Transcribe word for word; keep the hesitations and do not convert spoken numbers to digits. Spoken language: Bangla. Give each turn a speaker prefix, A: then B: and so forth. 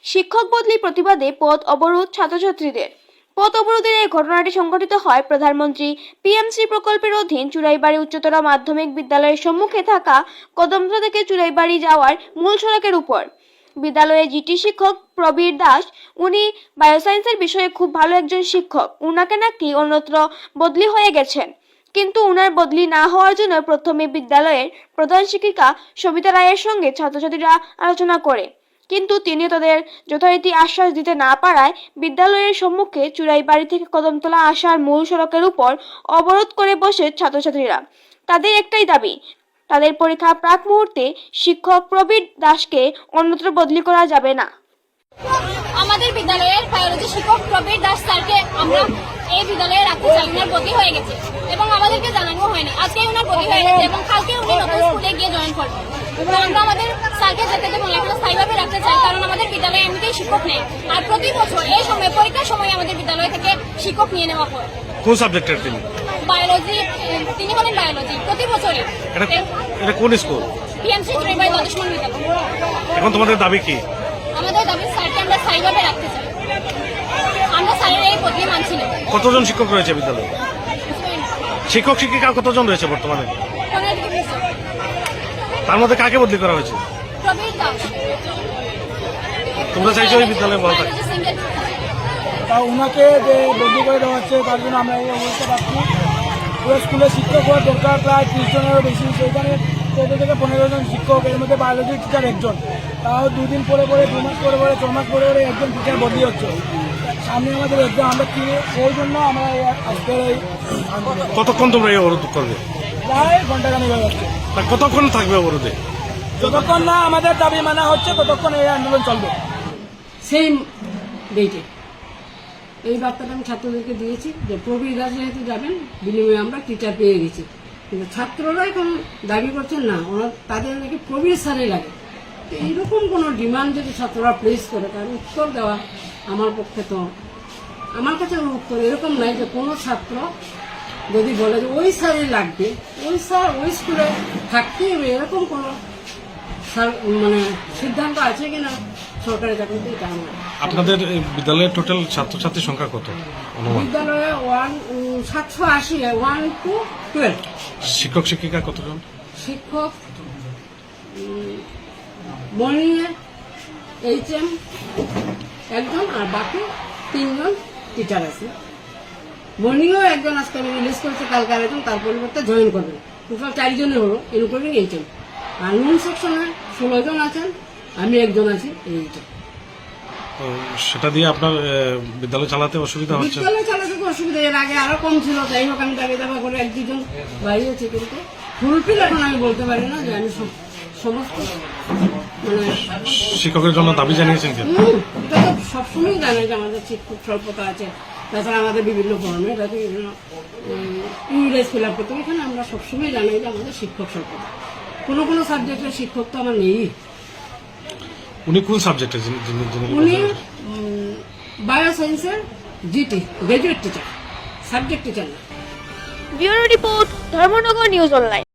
A: শিক্ষক বদলি প্রতিবাদে পথ অবরোধ ছাত্রছাত্রীদের। পথ অবরোধের এই ঘটনাটি সংঘটিত হয় প্রধানমন্ত্রী পিএমসি প্রকল্পের অধীন চুড়াইবাড়ি উচ্চতর মাধ্যমিক বিদ্যালয়ের সম্মুখে থাকা কদমতলা থেকে চুড়াইবাড়ি যাওয়ার মূল সড়কের উপর। বিদ্যালয়ে জিটি শিক্ষক প্রবীর দাস, উনি বায়োসায়েন্সের বিষয়ে খুব ভালো একজন শিক্ষক। উনাকে নাকি অন্যত্র বদলি হয়ে গেছেন, কিন্তু উনার বদলি না হওয়ার জন্য প্রথমে বিদ্যালয়ের প্রধান শিক্ষিকা সবিতা রায়ের সঙ্গে ছাত্রছাত্রীরা আলোচনা করে, কিন্তু তিনি তাদের যথারীতি আশ্বাস দিতে না পারায় বিদ্যালয়ের সম্মুখে চুড়াইবাড়ি থেকে কদমতলা আসার মূল সড়কের উপর অবরোধ করে বসে ছাত্রছাত্রীরা। তাদের একটাই দাবি, তাদের পরীক্ষা প্রাক মুহূর্তে শিক্ষক প্রবীর দাসকে অন্যত্র বদলি করা যাবে না।
B: আমাদের বিদ্যালয়ের বায়োলজি শিক্ষক প্রবীর দাস স্যারকে আমরা এই বিদ্যালয়ে রাখতে চাই। উনার বদলি হয়ে গেছে এবং আমাদেরকে জানানো হয়নি। আজকে উনার বদলি হয়ে গেছে এবং কালকে উনি নতুন স্কুলে গিয়ে জয়েন করবেন। আমরা আমাদের স্যারকে যেতে দেবো না, এখানে স্থায়ীভাবে রাখতে চাই, কারণ আমাদের বিদ্যালয়ে এমনিতেই শিক্ষক নেই। আর প্রতি বছর এই সময় পরীক্ষার সময় আমাদের বিদ্যালয় থেকে শিক্ষক নিয়ে নেওয়া হয়।
C: কোন সাবজেক্টের তিনি?
B: বায়োলজি, তিনি হলেন বায়োলজি প্রতি বছরই।
C: এটা কোন স্কুল?
B: পিএমসি চুড়াইবাড়ি দ্বাদশ মান বিদ্যালয়।
C: এখন তোমাদের দাবি কি?
B: আমাদের দাবি স্যারকে আমরা স্থায়ীভাবে রাখতে চাই। আমরা স্যারের এই বদলি মানছি না।
C: কতজন শিক্ষক রয়েছে বিদ্যালয়ে? শিক্ষক শিক্ষিকা কতজন রয়েছে বর্তমানে? তার মধ্যে কাকে বদলি করা হয়েছে?
B: প্রবীর দাস।
C: তোমরা চাইছো এই বিদ্যালয়ে বলা থাকে?
D: তা ওনাকে যে বদলি করে দেওয়া হচ্ছে তার জন্য আমরা এই অবস্থা পাচ্ছি। পুরো স্কুলে শিক্ষক হওয়ার দরকার প্রায় ত্রিশ জনেরও বেশি, সেইখানে চোদ্দ থেকে পনেরো জন শিক্ষক, এর মধ্যে বায়োলজি টিচার একজন। তাও দুদিন পরে পরে দু মাস পরে পরে ছ মাস পরে পরে একজন টিচার বদলি হচ্ছে। সামনে আমাদের এক্সাম, আমরা কি সেই জন্য আমরা আজকের এই
C: কতক্ষণ তোমরা এই অবরোধ করবে?
D: প্রায় ঘন্টা খানিক হয়ে যাচ্ছে।
C: তা কতক্ষণ থাকবে অবরোধে?
D: যতক্ষণ না আমাদের দাবি মানা হচ্ছে ততক্ষণ এই আন্দোলন চলবে।
E: সেম ডেটে এই বার্তাটা আমি ছাত্রদেরকে দিয়েছি যে প্রবীর দাস যেহেতু যাবেন, বিনিময়ে আমরা টিচার পেয়ে গেছি। কিন্তু ছাত্ররা এখন দাবি করছেন না, ওনার তাদের নাকি প্রবীর স্যারই লাগে। তো এইরকম কোনো ডিমান্ড যদি ছাত্ররা প্লেস করে তার উত্তর দেওয়া আমার পক্ষে, তো আমার কাছে উত্তর এরকম নাই যে কোনো ছাত্র যদি বলে যে ওই স্যারই লাগবে, ওই স্যার ওই স্কুলে থাকতেই হবে, এরকম কোনো মানে সিদ্ধান্ত আছে কিনা সরকারি চাকরিতে, এটা আমার।
C: আপনাদের বিদ্যালয়ের টোটাল ছাত্রছাত্রীর সংখ্যা কত?
E: বিদ্যালয়ে ওয়ান সাতশো আশি ওয়ান টু টুয়েলভ।
C: শিক্ষক শিক্ষিকা কতজন?
E: শিক্ষক মর্নিংয়ে এইচ এম একজন আর বাকি তিনজন টিচার আছে। মর্নিংয়েও একজন আজকে আমি রিলিজ করেছি, কালকে আরেকজন তার পরিবর্তে জয়েন করবেন। টোটাল চারজনে হলো, ইনক্লুডিং এইচ এম। আর নুন সেকশনে ষোলো জন আছেন, আমি একজন আছি এইটা।
C: সেটা দিয়ে আপনার বিদ্যালয় চালাতে অসুবিধা হচ্ছে?
E: বিদ্যালয় চালাতে তো অসুবিধা, এর আগে আরো কম ছিল। যাই হোক, আমি দাবি দাবা করে এক দুজন বাড়িয়েছি, কিন্তু ফুলফিল এখন আমি বলতে পারি না যে আমি সমস্ত মানে
C: শিক্ষকের জন্য দাবি জানিয়েছেন কেন?
E: এটা তো সবসময় জানে যে আমাদের শিক্ষক স্বল্পতা আছে, তাছাড়া আমাদের বিভিন্ন ফর্মে বিভিন্ন ইউনিট ফিল আপ করতে, এখানে আমরা সবসময় জানাই যে আমাদের শিক্ষক স্বল্পতা। কোনো কোনো সাবজেক্টের শিক্ষক তো আমার নেই।
C: উনি কোন সাবজেক্টে?
E: উনি বায়োসায়েন্সের GT graduate teacher, subject teacher না।
A: Bureau report, Dharmanagar news online.